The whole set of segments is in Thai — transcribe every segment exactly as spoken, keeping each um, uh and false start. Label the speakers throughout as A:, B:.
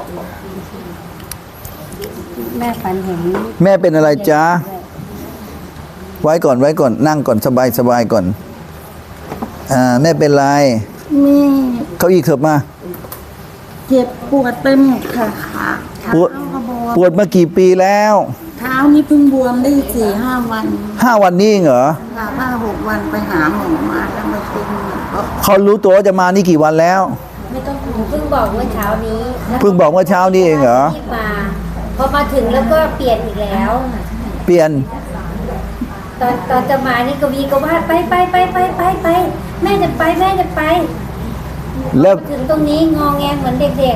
A: แม่ฝันเห็น
B: แม่เป็นอะไรจ๊ะไว้ก่อนไว้ก่อนนั่งก่อนสบายสบายก่อนอ่าแม่เป็นไร
A: มี
B: เขาอีกเถิบมา
A: เจ็บปวดไปหมดค่ะขาเท้า
B: ปวด
A: ก็บวม
B: ปวดมากี่ปีแล้ว
A: เท้านี่เพิ่งบวมได้สี่ห้าวัน
B: ห้าวันนี้เองเหรอ
A: ค่ะห้าหกวันไปหาหมอมาแล้วมาเป็นก็
B: เขารู้ตัวว่าจะมานี่กี่วันแล้ว
C: ไม่ต้องหนูเพิ่งบอกเมื่อเช้านี้
B: เพิ่งบอกเมื่อเช้านี้เองเหรอ
C: รีบมาพอมาถึงแล้วก็เปลี่ยนอีกแล้ว
B: เปลี่ยน
C: ตอนตอนจะมานี่กวีก็ว่าไปไปไปไปไปไปแม่จะไปแม่จะไป
B: แล้ว
C: ถึงตรงนี้งอแงเหมือนเด็ก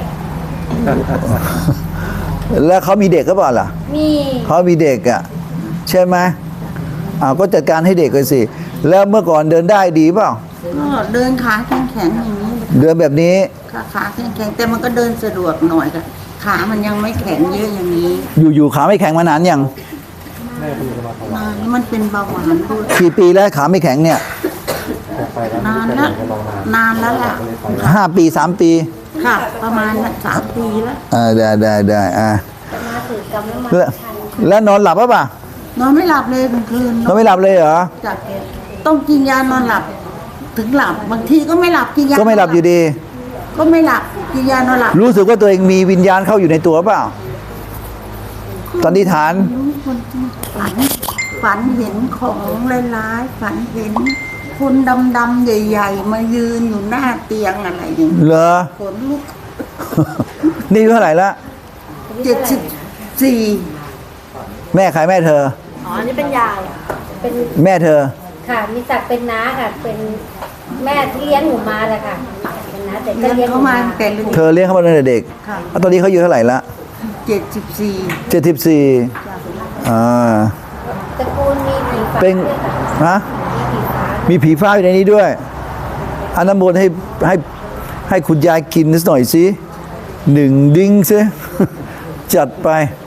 B: แล้วเขามีเด็กก็เปล่าล่ะ
C: ๆ มี
B: เขามีเด็กอ่ะใช่ไหมอ้าวก็จัดการให้เด็กเลยสิแล้วเมื่อก่อนเดินได้ดีเปล่า
A: ก็เดินขาแข็งๆอย่างนี้
B: เดินแบบนี้
A: ขาขาแข็งๆแต่มันก็เดินสะดวกหน่อยค่ะขามันยังไม่แข็งเยอะอย่างนี้
B: อยู่ๆขาไม่แข็งมานานยัง
A: นานมันเป็นเบาหวานด้วย
B: กี่ปีแล้วขาไม่แข็งเนี่ย
A: นานแล้วนานแล้วล่ะ
B: ห้าปีสามปี
A: ค่ะ ประมาณสามปีแล้ว
B: อ่าได้ได้ได้อ่า
C: มาถือกำลังมา
B: แล้วแล้วนอนหลับป่ะป่ะ
A: นอนไม่หลับเลยกลางคืน
B: นอนไม่หลับเลยเหรอ
A: จากต้องกินยานอนหลับ ถึงหลับบางทีก็ไม่หลับกินยา
B: ก็ไม่หลับอยู่ดี
A: ก็ไม่หลับกินยานอนหลับ
B: รู้สึกว่าตัวเองมีวิญญาณเข้าอยู่ในตัวเปล่าตอนนี้ฐาน
A: รู้คนที่ฝันฝันเห็นของร้ายๆฝันเห็นคนดำๆใหญ่ๆ มายืนอยู่หน้าเตียงอะไรอย่างนี้
B: เหรอ
A: ขนลุก
B: นี่อายุเท่าไหร่ละ
A: เจ็ดสิบสี่
B: แม่ใครแม่เธอ
C: อ๋ออันนี้เป็นยายเป็น
B: แม่เธอ
C: ค่ะมีศักดิ์เป็นน้าค่ะ เป็นแม่ที่เลี้ยงหนูมาแหละค่ะเป็นน้าแต่ก็
A: เลี้ยง
C: เลี้ยงห
A: เขา
C: นู
A: มา
C: มา
A: ตั้งแต่เล็ก
B: เธอเลี้ยงเขามาตั้งแต่เด็ก
A: ค่ะ
B: แล้วตอนนี้เขาอายู่เท่าไหร่ละ
A: เจ็ดสิบสี่
B: เจ็ดสิบสี่อ่า
C: ตระกูลมีผีฟ้า
B: เป็น
C: ด้วยค่ะ
B: ฮะ
C: มีผีฟ้า
B: มีผีฟ้าอยู่ในนี้ด้วยอันน้ำมนต์ให้ให้ให้คุณยายกินนิดหน่อยสิหนึ่งดิ้งซิ จัดไป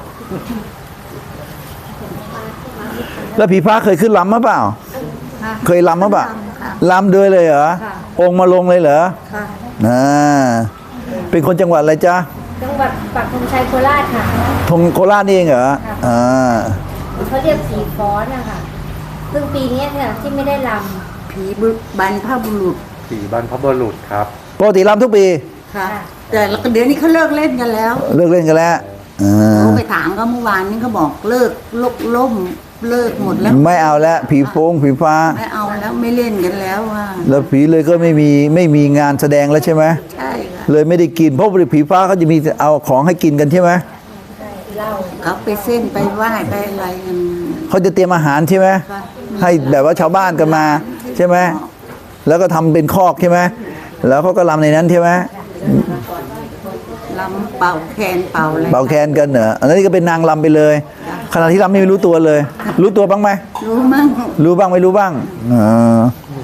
B: แล้วผีฟ้าเคยขึ้นลำมาเปล่า
A: ค่ะ
B: เคยลำมาเปล่า
A: ค่ะ
B: ลำด้วยเลยเหรอ
A: ค่ะ
B: องค์มาลงเลยเหรอ
A: ค่ะ
B: อ่าเป็นคนจังหวัดอะไรจ๊ะ
C: จังหวัดปักธงชัยโคราชค่ะ
B: ทงโคราชนี่เองเหรออ่า
C: เขาเรียกผีฟ้อนนะคะซึ่งปีนี้เนี่ยที่ไม่ได้ล
A: ผีบุบรรพบุรุษ
D: ผีบรรพบุรุษครับ
B: ปกติลำทุกปี
A: ค่ะ แต่เดี๋ยวนี้เขาเลิกเล่นกันแล้ว
B: เลิกเล่นกันแล้วอ่า
A: เขาไปถามก็เมื่อวานนี้เขาบอกเลิกลกล่มเลิกหมดแล้ว
B: ไม่เอาแล้วผีโป้งผีฟ้า
A: ไม่เอาแล้วไม่เล่นกันแล้วว่า
B: แล้วผีเลยก็ไม่มีไม่มีงานแสดงแล้วใช่ไหม
A: ใช่ค่ะ
B: เลยไม่ได้กินเพราะผีฟ้าเขาจะมีเอาของให้กินกันใช่ไหม
C: ำเหล้า
A: เขาไปเส้นไปไหว้ไปอะไรกัน
B: เขาจะเตรียมอาหารใช่ไหม
A: ค่ะ
B: ให้แบบว่าชาวบ้านกันมาใช่ไหมแล้วก็ทำเป็นคอกใช่ไหมแล้วเขาก็รำในนั้นใช่ไหม
A: ลำเป่าแคนเป่าอะไร
B: เป่าแคนกันเหรออันนี้ก็เป็นนางรำไปเลยขณะที่รำไม่รู้ตัวเลย รู้ตัวบ้างไหม
A: รู้มั้ง
B: รู้บ้างไม่รู้บ้างอ่า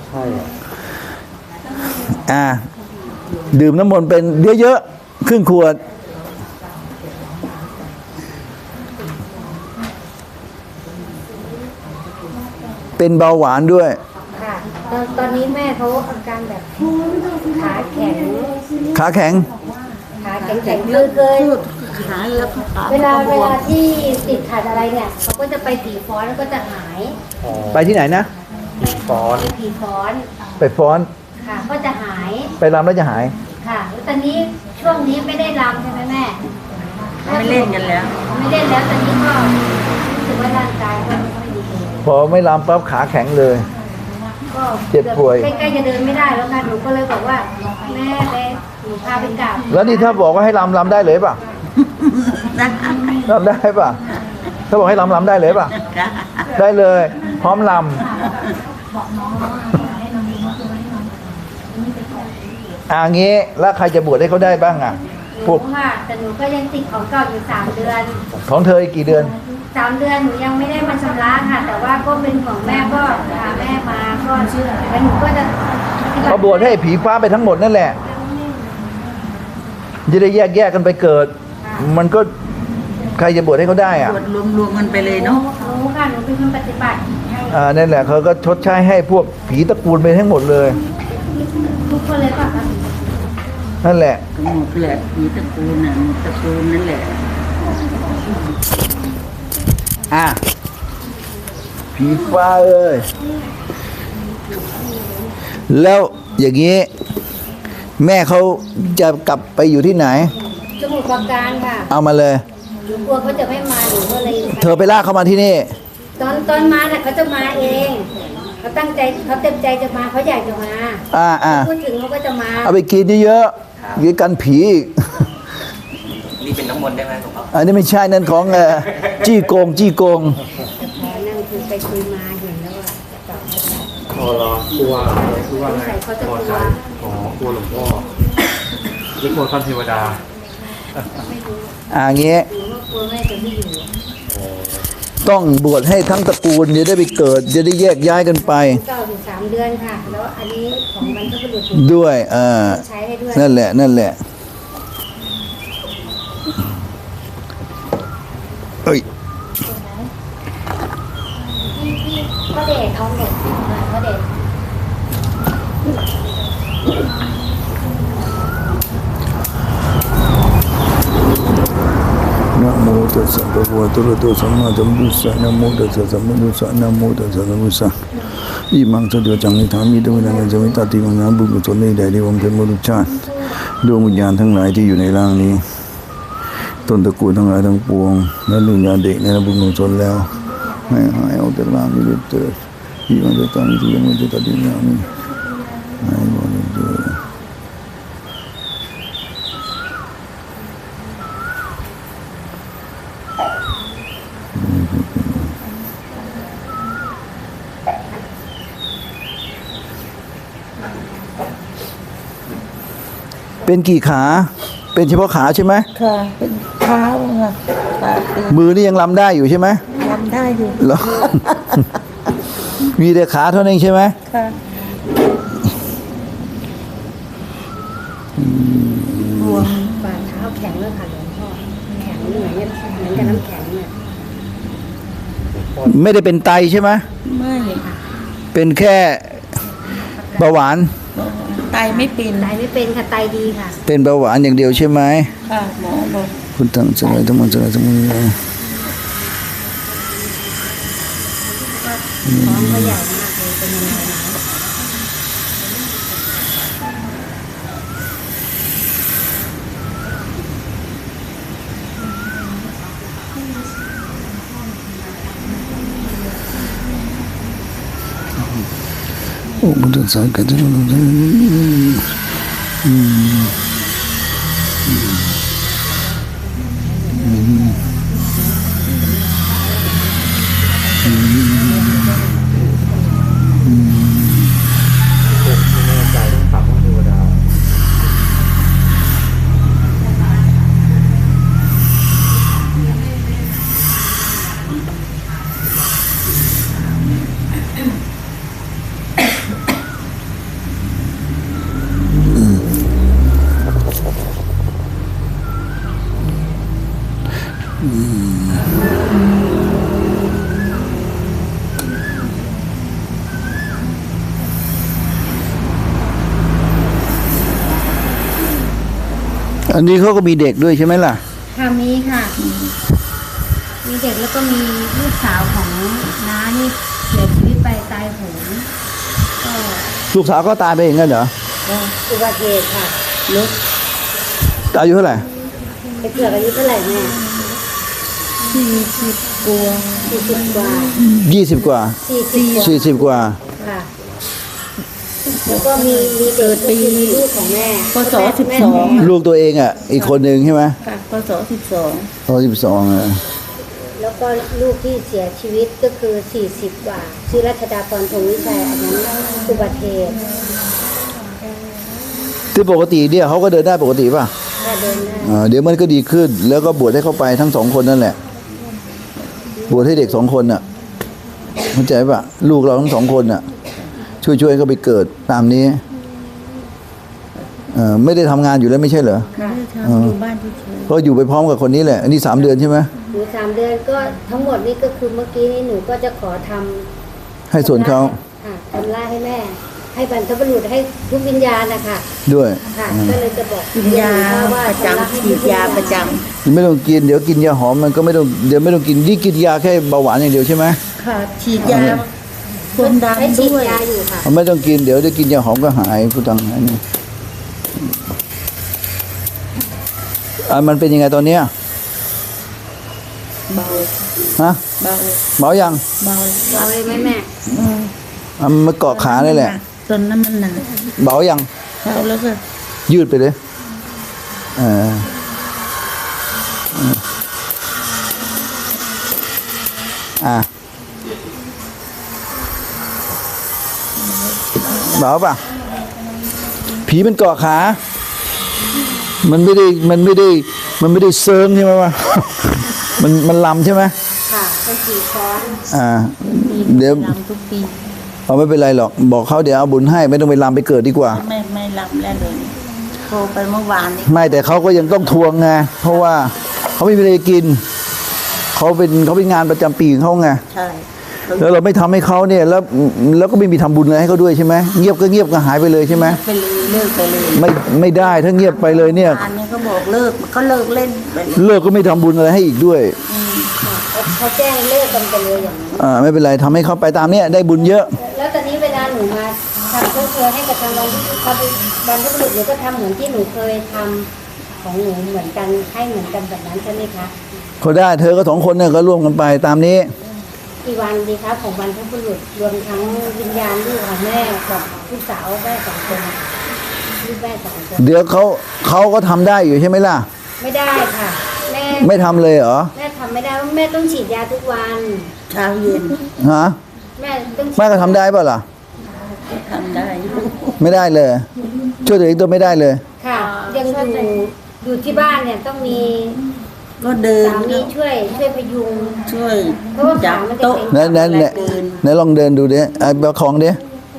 B: อ่าดื่มน้ำมนต์เป็นเยอะๆครึ่งขวดเป็นเบาหวานด้วย
C: ค่ะตอนตอนนี้แม่เขาอาการแบบขาแข็ง
B: ขาแข็ง
C: ขาแข็งแข็งเลยเกิน
A: พูดขาแล้วก็ขา
C: เวลา
A: ก็บ
C: เว
A: วม
C: ลาที่ติดขัดอะไรเนี่ยเขาก็จะไปผีฟ้อนแล้วก็จะหาย
B: ไปที่ไหนนะ
D: ผีฟ้อน
C: ไปผีฟ้อน
B: ไปฟ้อน
C: ค่ะ ก็จะหาย
B: ไปรำแล้วจะหาย
C: ค่ะแล้วตอนนี้ช่วงนี้ไม่ได้รำใช่ไหมแม่
A: ไม่เล่นกันแล้ว
C: ไม่เล่นแล้วตอนนี้ก็รู้สึกว่าร่างกายก็ไม่ค่อยดี
B: พอไม่รำปั๊บขาแข็งเลย
C: ก็
B: เจ็บป่วย
C: ใกล้ๆจะเดินไม่ได้แล้วค่ะหนูก็เลยบอกว่าแม่ไปหนูพาไปกราบ
B: แล้วนี่ถ้าบอกว่าให้รำรำได้เลยป่ะ
A: นะ
B: รำได้ป่ะถ้าบอกให้รำรำได้เลยป่ะได้เลย พร้อมรำอ่างี้แล้วใครจะบวชให้เขาได้บ้างอ่ะ
C: หนูค่ะแต่หนูก็ยังติดของเก่าอยู่สามเดือน
B: ของเธออีกกี่เดือน
C: สามเดือนหนูยังไม่ได้มาชำระค่ะ แต่ว่าก็เป็นของแม่ก็พาแม่มาก็เชื่อแล้วหนูก็จะปฏิบัติ
B: เขาบวชให้ผีฟ้าไปทั้งหมดนั่นแหละจะได้แยกแยกกันไปเกิด มันก็ใครจะบวชให้เขาได้อ่ะ
A: ตรวจรวมๆกันไปเลย
C: หนู
A: เนาะ
C: หนูค่ะหนูเป็นคนปฏิบัติให้
B: อ่านั่นแหละเขาก็ชดใช้ให้พวกผีตระกูลไปทั้งหมดเลย
C: ทุกคนเลยป่ะคะ
B: นั่นแหละ
A: ก็หมดแหละผีตระกูลน่ะหมดตระกูลนั่นแหละ
B: อ่ะผีฟ้าเอ้ยแล้วอย่างนี้ แม่เขาจะกลับไปอยู่ที่ไหน
C: สมุทรปราการค่ะ
B: เอามาเลย
C: หนูกลัวเขาจะไม่มาหนูก็เลย
B: เธอไปลากเขามาที่นี่
C: ตอนตอนมาน่ะเขาจะมาเองเขาตั้งใจเขาเต็มใจจะมาเขาอยากจะมา
B: อ่าอ่า
C: พูดถึงเขาก็จะมา
B: เอาไปกินเยอะๆกินกันผีอีก
E: นี่เป็นน้ำมนต์ได้ไหมหลวงพ่อ
B: อันนี้ไม่ใช่นั่นของเอ่อจี้โกงจี้โกง
C: แต่พอนั่งคุยไปคุยมาเห็นแล้วว่าจะตอบจะตอบ
D: พอรอกลัวกลัว
C: สง
D: ไง
C: สัยเขาจะ
D: พ
C: ก
D: อ
C: ลั
D: ใจ
C: ว
D: อ๋อกลัวหลวงพ่อหรือกลัวท่านเทวดา
C: ไม่รู้
B: อ่างี้
C: หนูว่ากลัวแม่จะไม่อยู่
B: ต้องบวชให้ทั้งตระกูลจะได้ไปเกิด จะได้แยกย้ายกันไป
C: เก่าอยู่สามเดือนค่ะ แล้วอันนี้ของมันก็เป็นหลุด
B: ด้วยอ่า
C: ใช้ให้ด้วย
B: นั่นแหละนั่นแหละเอ้ย
C: ที่ที่พ่อเดชเอาหนกมาพ่อเดช
B: นะโมตัสสะภะคะวะโตอะระหะโตสัมมาสัมพุทธัสสะนะโมตัสสะสัมมาสัมพุทธัสสะนะโมตัสสะสัมมาสัมพุทธัสสะอิมังสะเดวจังนิธามิตวนานะจมิตติวังนะบุญกุศลในใดในวงเป็นมนุษย์ชาติดวงวิญญาณทั้งหลายที่อยู่ในร่างนี้ต้นตระกูลทั้งหลายทั้งปวงและดวงวิญญาณเด็กในบุญกุศลแล้วให้หายออกจากร่างนี้ด้วยเถิดอิมังจะตั้งที่ยังไม่จะตัดดินยามิหายหมดเลยเถิด เป็นกี่ขา เป็นเฉพาะขาใช่ไหม
A: ค่ะเป็นเท้าค่ะตาตี
B: มือนี่ยังลำได้อยู่ใช่ไหม
A: ทำได้อยู่
B: เหรอ มีแต่ขาเท่านั้นเองใช่ไหม
A: ค่ะรวม
C: ฝ่าเท้าแข็งเลยค่ะหลวงพ่อแข็งเหมือนเหมือนกับน้ำแข็งเนี่ย
B: ไม่ได้เป็นไตใช่ไหม
A: ไม่
B: เป็นแค่เบาหวาน
A: ไตไม่เป็น
C: ไตไม่เป็นค่ะไตดีค่ะ
B: เป็นเบาหวานอย่างเดียวใช่ไหม
A: ค่ะหมอบอก
B: คุณตั้งใจทั้งหมดใจทั้งหมดเลย
C: ท้องก็ใหญ่มากเลยเป็นยังไงนะ
B: โอ้มันจะสายกันจะต้องอืม
D: ไม่แน่ใจต้องถามท่านเทวดา
B: อันนี้เขาก็มีเด็กด้วยใช่ไหมล่ะ
C: ค่ะมีค่ะ มีเด็กแล้วก็มีลูกสาวของน้านี่เสียชีวิตไปตายโหงก็
B: ลูกสาวก็ตายไปเองกันเหรอ
C: อุบัติเหตุค่ะรถ
B: อายุเท่าไหร่
C: ไปเกือบอายุเท่าไหร่แม่
A: สี่สิบกว่า
C: สี่สิบกว่า
B: ยี่สิบกว่า
C: สี่สิบกว่า
B: สี่สิบกว่า
C: ค่ะ แล้วก็มีมีเด็กปีลูกของแม่
A: พศสิบสอง
B: ลูกตัวเองอ่ะ อีกคนหนึ่งใช่ไหม
A: ค่ะพศสิบสอง
B: ตอนสิบสองอ่ะ
C: แล้วก็ลูกที่เสียชีวิตก็คือสี่สิบกว่าชื่อรัชดาพรพงษ์วิชัยอันนั้นอุบัติเหตุ
B: ที่ปกติเนี่ยเขาก็เดินได้ปกติป่ะ
C: ถ้าเดินได้
B: อ่าเดี๋ยวมันก็ดีขึ้น แล้วก็บวชให้เข้าไปทั้งสองคนนั่นแหละ บวชให้เด็กสองคนน่ะเข้าใจป่ะ ลูกเราทั้งสองคนน่ะ ช่วยช่วยๆเขาไปเกิดตามนี้เอ่อไม่ได้ทำงานอยู่แล้วไม่ใช่เหรอ
A: ค่ะทำอยู่บ้านที่เฉย
B: ก็อยู่ไปพร้อมกับคนนี้แหละ อันนี้สามเดือนใช่ไหม
C: หนูสามเดือนก็ทั้งหมดนี่ก็คือเมื่อกี้นี้หนูก็จะขอทำ
B: ให้ส่วนเขา
C: ค่ะทำล่าให้แม่ให้บรรพบุรุษให้ทุกวิญญาณนะคะ
B: ด้วย
C: ค่ะก็เลยจะบอก
A: กินยาประจำฉีดยาประจ
B: ไม่ต้องกินเดี๋ยวกินยาหอมมันก็ไม่ต้องเดี๋ยวไม่ต้องกินนี่กินยาแค่เบาหวานอย่างเดียวใช่ไหม
A: ำค่ะฉีดยาคนดัน
C: ให้ฉีด
A: ด้วย
C: ยาอยู่ค่ะ
B: ไม่ต้องกินเดี๋ยวได้กินยาหอมก็หายผู้ตังหายนี่อ่ะมันเป็นยังไงตอนเนี้ย
A: เบา
B: ฮะ
A: เบา
B: เบายัง
A: เบา
C: เอาเลยไหมแม่
A: อืม
B: อ่ะมันมาเกาะขาเลยแหละ
A: ตอนนั้นมันหนัก
B: เบายัง
A: เบาแล้วก็
B: ยืดไปเลยเอออ่ะเบาป่ะผีมันเกาะขา มันไม่ได้มันไม่ได้มันไม่ได้เซิร์งใช่ไหมวะ มันมันลำใช่ไหม
C: ค่ะเป็นสี่ช้อน
B: อ่า
A: ปี
B: เดี๋ยว
A: ลำทุกปี
B: เอาไม่เป็นไรหรอกบอกเขาเดี๋ยวเอาบุญให้ไม่ต้องไปลำไปเกิดดีกว่า
A: ไม่ไม่ลำแล้วเลยโทรไปเมื่อวานนี้
B: ไม่แต่เขาก็ยังต้องทวงไงเพราะว่าเขาไม่มีอะไรกินเขาเป็นเขาเป็นงานประจำปีของเขาไง
A: ใช่
B: แล้วเราไม่ทำให้เขาเนี่ยแล้วแล้วก็ไม่มีทำบุญอะไรให้เขาด้วยใช่ไหมเงียบก็เงียบก็หายไปเลยใช่ไหม
A: ไปเลยเลิกไปเลย
B: ไม่ไม่ได้ถ้าเงียบไปเลยเนี่ย
A: อันนี้ก็บอกเลิกก็เลิกเล่นไปเลย
B: เลิกก็ไม่ทำบุญอะไรให้อีกด้วย
C: เขาแจ้งเลิกกันไปเลยอย่างนี้
B: อ่าไม่เป็นไรทำให้เขาไปตามเนี้ยได้บุญเยอะ
C: แล้วตอนนี้เวลาหนูมาทำเครื่องเชือให้กับทางบรรพบุรุษบรรพบุรุษหนูก็ทำเหมือนที่หนูเคยทำของหนูเหมือนกันให้เหมือนกันแบบนั้นใช่ไหมคะ
B: เขาได้เธอก็สองคนเนี่ยก็ร่วมกันไปตามนี้
C: กี่วันดีคะของบรรพบุรุษรวมทั้งวิญญาณลูกของแม่กับลูกสาวแม่สองคนลูกแม่สองคน
B: เดี๋ยวเขาเขาก็ทำได้อยู่ใช่ไหมล่ะ
C: ไม่ได้ค่ะ แม่
B: ไม่ทำเลยเหรอ
C: แม่ทำไม่ได้เพราะแม่ต้องฉีดยาทุกวัน
A: เช้าเย็น
B: ฮะ
C: แม่ต้องฉีด
B: แม่ก็ทำได้ป่ะล่ะ
A: ทำได้อยู่
B: ไม่ได้เลย ช่วยตัวเองตัวไม่ได้เลย
C: ค่ะ ยังอยู่อยู่ที่บ้านเนี่ยต้องมี
A: ก็เดิน
C: สามีช่วยช่วยพยุง
A: ช่วย
C: เพราะว่า
A: จั
C: ขา
A: บ
C: มันจะ
A: โต๊ะ
C: เกร็ง
B: นั่นนั่นแหละ
A: เดิน
B: ไหนลองเดินดูดิไอ้ประคองดิ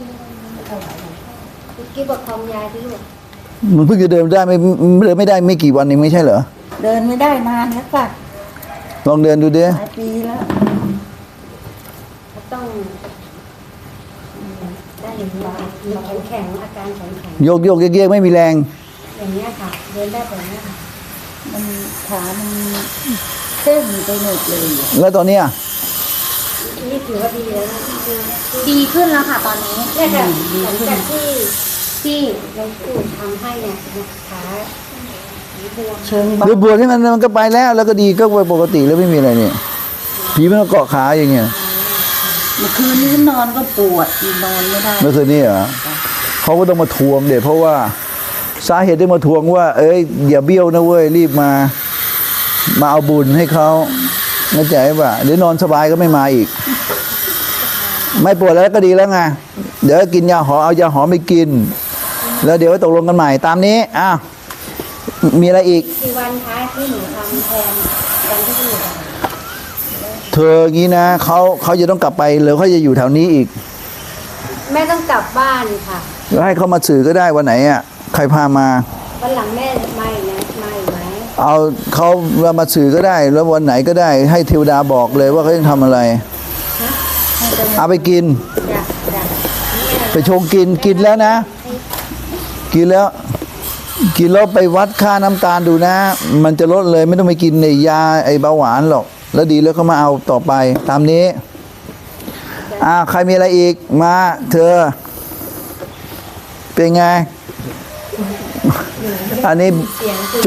C: กิ๊บประคองยายที่ลูก
B: มันเพิ่งจะเดินได้ไม่เดินไม่ได้ไม่กี่วันเองไม่ใช่เหรอ
A: เดินไม่ได้นานแล้วค่ะ
B: ลองเดินดูดิ
A: หลายปีแล้ว
C: เขาต้องอืมได้อย่างนี้มีแข็งแข็งอาการแข็งแข็ง
B: โยกโยกเยกๆไม่มีแรง
C: อย่างเนี้ยค่ะ เดินได้แบบเนี้ยค่ะ
A: มันขามันเส้นไปหมดเลย
B: แล้วตอนเนี้ย
C: นี่ถือว่าดีแล้วนะคือ
F: ดีขึ้นแล้วค่ะตอนนี้
C: เนี่ยค่ะหลังจากที่ที่หลวงปู่ทำให้เนี่ยขาบวม
A: เชิงเบา
B: เดี๋ยวบวชให้มันมันก็ไปแล้ว แล้วก็ดีก็ไปปกติแล้วไม่มีอะไรเนี่ยผีมันก็เกาะขาอย่างเงี้ย
A: เมื่อคืนนี้นอนก็ปวดนอนไม่ได้
B: เมื่อคืนนี้เหรอเขาก็ต้องมาทวงเด็เพราะว่าสาเหตุที่มาทวงว่า เอ้ยอย่าเบี้ยวนะเว้ยรีบมา มาเอาบุญให้เขาเข้าใจป่ะเดี๋ยวนอนสบายก็ไม่มาอีก ไม่ปวดแล้วก็ดีแล้วไงเดี๋ยวกินยาหอมเอายาหอมไปกิน แล้วเดี๋ยวตกลงกันใหม่ตามนี้อ้าวมีอะไรอีก
C: กี่วันคะที่หนูทำแทนวันที่หนูท
B: เธออย่างนี้นะเขาเขาจะต้องกลับไปหรือเขาจะอยู่แถวนี้อีก
C: ำแม่ต้องกลับบ้านค่ะ
B: แล้วให้เขามาสื่อก็ได้วันไหนอ่ะใครพามา
C: วันหลังแม่ไม่นะไม่ไหม
B: เอาเขามาสื่อก็ได้ แล้ววันไหนก็ได้ ให้เทวดาบอกเลยว่าเขาจะทำอะไร เอาไปกิน
C: จ้ะจ้ะ
B: ไปชงกินกินแล้วนะ กินแล้ว กินแล้วไปวัดค่าน้ำตาลดูนะ มันจะลดเลยไม่ต้องไปกินในยาไอ้เบาหวานหรอก แล้วดีแล้วก็มาเอาต่อไป ตามนี้อ่าใครมีอะไรอีกมาเธอ เป็นไง อันนี้